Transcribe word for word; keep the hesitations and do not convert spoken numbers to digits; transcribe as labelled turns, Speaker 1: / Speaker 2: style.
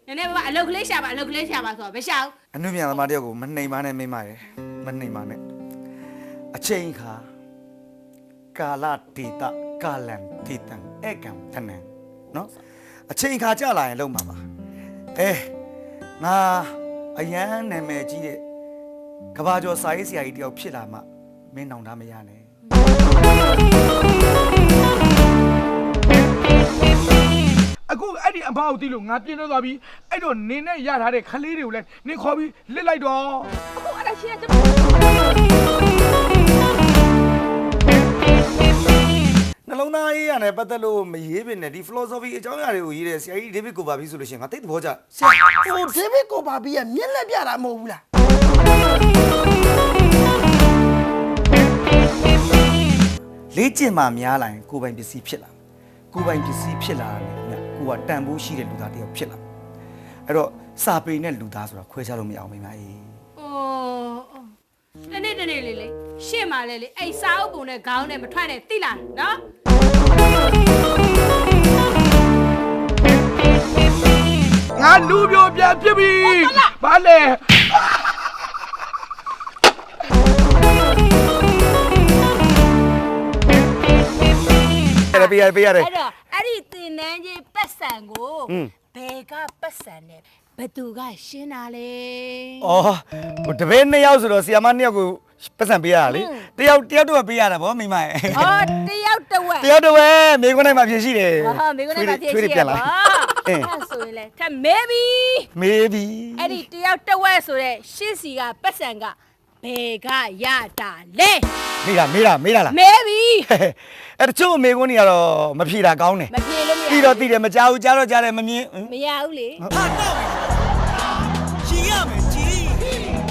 Speaker 1: နည်းနည်းပါအလုတ်ကလေးရှာပါအလုတ်ကလေးရှာပါဆိုတော့မရှာဘူး
Speaker 2: အနုပြန်သမားတယောက်ကိုမနှိမ်ပါနဲ့မိမရယ်မနှိမ်ပါနဲ့အချိန်ခါကာလဒေတာကာလံဒေတံဧကံထနံနော်အချိန်ခါကြာလာရင်လုံးပါပါအဲငါအရန်နာမည်ကြီးတဲ့ကဘာကျော်စာရေးဆရာကြီးတယောက်ဖြစ်လာမှမင်းနောင်တမရနဲ့
Speaker 3: အခုအဲ့ဒီအမအောင်တီးလို့ငါပြင်းတော့သွားပြီအဲ့တော့နင်းနဲ့ရထားတဲ့ခလေးတွေကိုလည်းနင်းခေါ်ပြီးလစ်လိုက်တော့
Speaker 1: အခုအဲ့ဒါရှင်းက
Speaker 2: နှလုံးသားရေးရတယ်ပတ်သက်လို့မရေးပင်နဲ့ဒီ philosophy အကြောင်းအရာတွေကိုရေးတဲ့ဆရာကြီး David Copperfield ဆိုလို့ရှိရင်ငါသိတဲ့ဘောကြဆရာ
Speaker 4: ဟို David Copperfield ရဲ့မျက်လက်ပြတာမဟုတ်ဘူးလား
Speaker 2: လေ့ကျင့်မှများလာရင်ကိုယ်ပိုင်ပစ္စည်းဖြစ်လာကိုယ်ပိုင်ပစ္စည်းဖြစ်လာတယ်ညကိုကတန်ဖိုးရှိတဲ့လူသားတယောက်ဖြစ်လာအဲ့တော့စာပေနဲ့လူသားဆိုတာခွဲခြားလို့မရအောင်မိမအေး
Speaker 1: အိုးတနေ့တနေ့လေးလေးရှင့်ပါလေလေအဲ့စာအုပ်ပုံနဲ့ခေါင်းနဲ့မထွက်နဲ့တိလာနော်
Speaker 3: ငါလူပြိုပြန်ဖြစ်ပြီဘာလဲ
Speaker 2: ရတယ်ပေးရတယ်ပေးရတယ်
Speaker 1: အဲ့တော့အဲ့ဒီတင်နန်းကြီးပတ်စံကိုဘယ်ကပတ်စံနဲ့ဘသူကရှင်းတာလဲ
Speaker 2: ဩဟိုတပည့်နှစ်ယောက်ဆိုတော့ဆီယာမနှစ်ယောက်ကိုပတ်စံပေးရတာလေတယောက်တယောက်တော့ပေးရတာဗောမိမရဲ့
Speaker 1: ဟောတယောက်တစ်ဝက်
Speaker 2: တယောက်တော့ပဲမိခွန်းနိုင်မှာဖြစ်ရှိတယ်
Speaker 1: ဟာမိကနေပါဖြစ်ရှိရပါအဲ့ဆိုရင်လေထမဲပြီ
Speaker 2: မေးပြီ
Speaker 1: အဲ့ဒီတယောက်တစ်ဝက်ဆိုတဲ့ရှင်းစီကပတ်စံကဘယ်ကရတာလဲ
Speaker 2: မေးတာမေးတာမေးတာလား
Speaker 1: မဲပြီ
Speaker 2: အဲ့တချို့မေခွန်းတွေကတော့မဖြေတာကောင်းတယ်
Speaker 1: မပြေလို့မရ
Speaker 2: ပြီးတော့သိတယ်မကြောက်ဘူးကြားတော့ကြားတယ်မမြင်
Speaker 1: မရဘူးလေ
Speaker 5: ဟာတော့ရှင်ရမယ်ကြီး